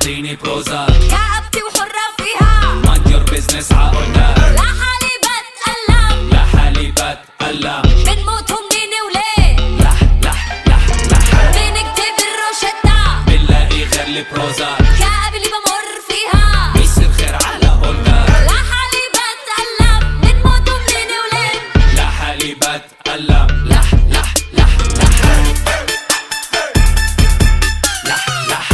تعطيني بروزا كآبتي وحرة فيها mind your business عقولنا لحالي بتألم لحالي بتألم بنموت ومنين وليه لح لح لح لح بنكتب الروشتة بنلاقي غير البروزا كآب اللي بمر فيها بيصير خير على قولنا لحالي بتألم بنموت ومنين وليه لحالي بتألم لح لح لح لح لح لح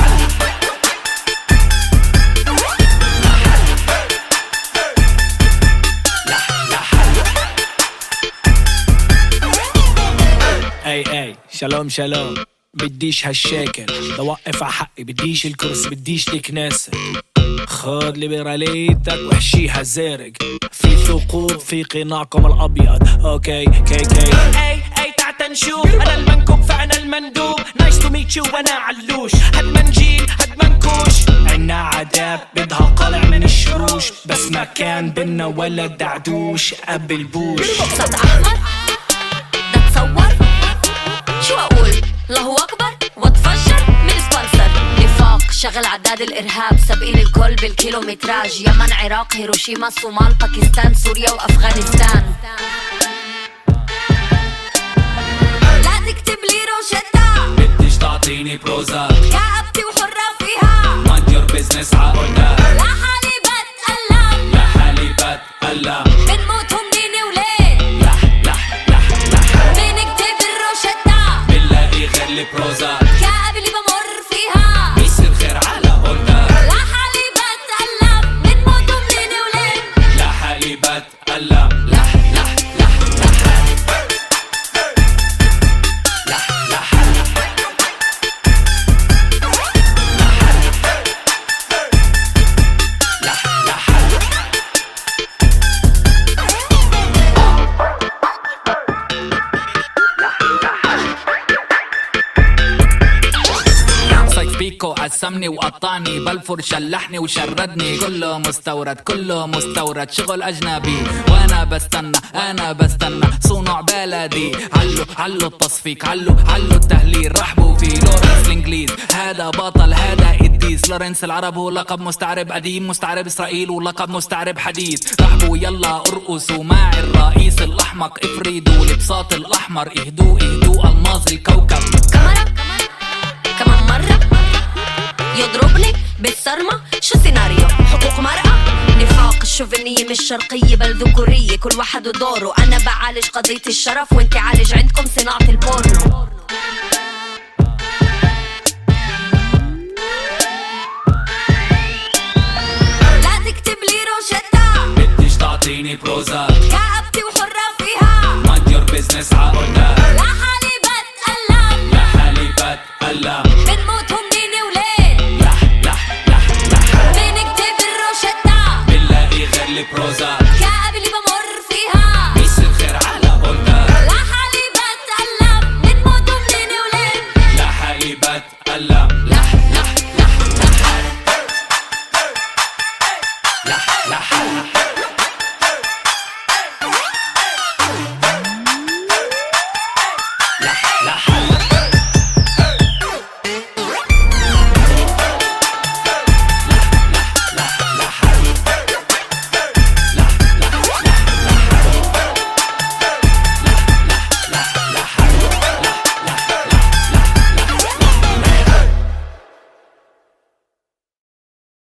اي شالوم شالوم بديش هالشكل بوقف ع حقي بديش الكرسي بديش تكناسة خد ليبراليتك واحشيها زارق في ثقوب في قناعكم الابيض اوكي كي اي تعت نشوف انا المنكوب فانا المندوب نايس تو ميت يو وانا علوش هاد منجيل هاد منكوش عنا عذاب بدها قلع من الشروش بس ما كان بينا ولا دعدوش قبل بوش صوت أحمر ده تصور شو أقول الله أكبر واتفجر من سبونسر نفاق شغل عداد الإرهاب سابقين الكل بالكيلومتراج يمن عراق هيروشيما صومال باكستان سوريا وأفغانستان لا تكتب لي روشتة بديش تعطيني بروزا كآبتي وحرة فيها mind your business عقولنا لحالي بتألم لحالي بتألم بنموت ومنين وليه لح لح لح لح بنكتب الروشتة بنلاقي غير البروزا كآب اللي بمر فيها بيصير خير على قولنا لحالي بتألم بنموت ومنين وليه لحالي بتألم لح لح لح لح لح لح لح لح صيف بيكو قسمني وقطعني بلفور شلحني وشردني كله مستورد كله مستورد شغل أجنبي وأنا بستنى صنع بلدي علو التصفيق علو التهليل رحبوا فيه لورنس الإنجليز هذا بطل هذا إديس لورنس العرب هو لقب مستعرب قديم مستعرب إسرائيل ولقب مستعرب حديث رحبوا يلا ارقصوا مع الرئيس الأحمق افردوا البساط الأحمر اهدوا ألماظ الكوكب كمان مرة يضربني بالصرمة شو سيناريو حقوق مرأة نفاق الشوفينية مش شرقية بل ذكورية كل واحد ودوره أنا بعالج قضية الشرف وانت عالج عندكم صناعة البورنو لا تكتب لي روشتة بديش تعطيني بروزا كآبتي وحرة فيها mind your business عقولنا لحالي بتألم لحالي بتألم بنموت ومنين وليه لح لح لح لح بنكتب الروشتة بنلاقي غير البروزا كآب اللي بمر فيها بيصير خير على قولنا لحالي بتألم بنموت ومنين وليه لحالي بتألم لح لح لح لح لح لح لح